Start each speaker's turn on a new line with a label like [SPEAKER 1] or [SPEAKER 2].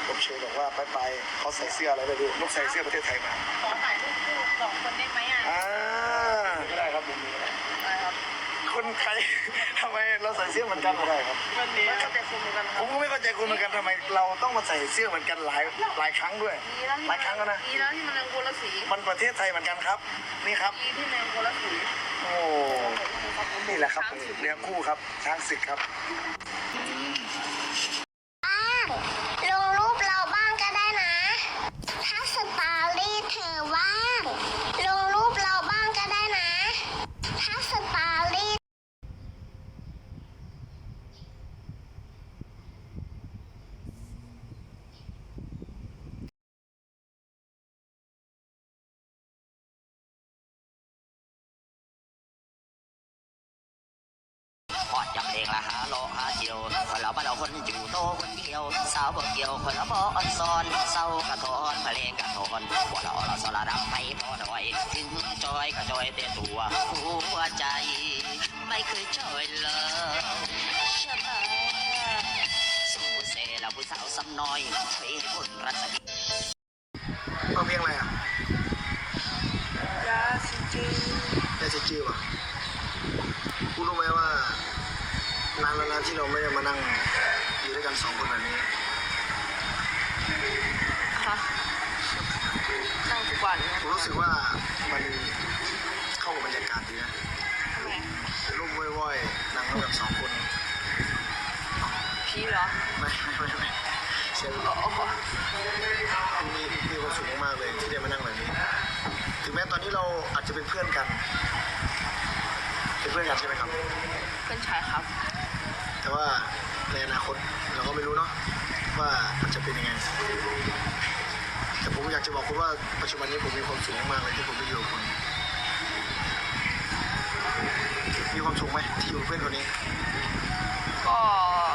[SPEAKER 1] ผมเชื่อบอกว่าไปเขาใส่เสื้ออะไรไปดูลูกใส่เสื้อประเทศไทยมา
[SPEAKER 2] ขอถ่ายรูปคู่สองคนได้ไหมอ่ะ
[SPEAKER 1] ก็ได้ครับผมมี
[SPEAKER 2] ได้ครับ
[SPEAKER 1] คนไทยทำไมเราใส่เสื้อเหมือนกันไม่ได้ครับ
[SPEAKER 2] วันนี้เข้าใจคุณเหมือนกัน
[SPEAKER 1] ผมก็ไม่เข้าใจคุณเหมือนกันทำไมเราต้องมาใส่เสื้อเหมือนกันหลายครั้งด้วยหลายครั้งแล้วนะ
[SPEAKER 2] ดีแล้วที่มันยังคนละสี
[SPEAKER 1] มันประเทศไทยเหมือนกันครับนี่ครับ
[SPEAKER 2] ดีที่มันคนละสี
[SPEAKER 1] โอ้นี่แหละครับเนื้อคู่ครับช้างศึกครับ
[SPEAKER 3] ลงรูปเราบ้างก็ได้นะ ถ้าสตอรี่เธอว่างลงรูปเราบ้างก็ได้นะ ถ้าสตอรี่
[SPEAKER 4] พอดยำเองละหาโลหาเจียวคนเราบ้านเราคนอยู่โตคนเดียวสาวบ่เกี่ยวคนเราบ่อ่อนซ้อนเศร้ากระทอนเพลงกระทอนหัวเราสละรำไปพอหน่อยถึงจอยก็จอยแต่ตัวหัวใจไม่เคยจอยเลยใช่ไหมสู้เซ่เราผู้สาวซ้ำน้อยเป็นคนรัศมี
[SPEAKER 1] เอาเพลงอะไรอ่ะ
[SPEAKER 2] ยาสิจี
[SPEAKER 1] ยาสิจีว่ะคุณรู้ไหมว่านานแล้วนะที่เราไม่ได้มานั่งอยู่ด้วยกัน2 คนแบบนี้
[SPEAKER 2] ค่ะนั่งทุกวัน
[SPEAKER 1] ผมรู้สึกว่ามันเข้ากับบรรยากาศดีนะ
[SPEAKER 2] ทำไม
[SPEAKER 1] ร่มว่อยๆนั่งด้วยกัน2 คน
[SPEAKER 2] พี่เหรอ
[SPEAKER 1] ไม่เสียงมีความสุขมากเลยที่ได้มานั่งแบบนี้ถึงแม้ตอนนี้เราอาจจะเป็นเพื่อนกันใช่ไหมครับ
[SPEAKER 2] เพื่อนชายครับ
[SPEAKER 1] แต่ว่าในอนาคตเราก็ไม่รู้เนาะว่ามันจะเป็นยังไงแต่ผมอยากจะบอกคุณว่าปัจจุบันนี้ผมมีความสุขมากเลยที่ผมได้อยู่กับคุณมีความสุขไหมที่อยู่กับเพื่อนคนนี้
[SPEAKER 2] ก็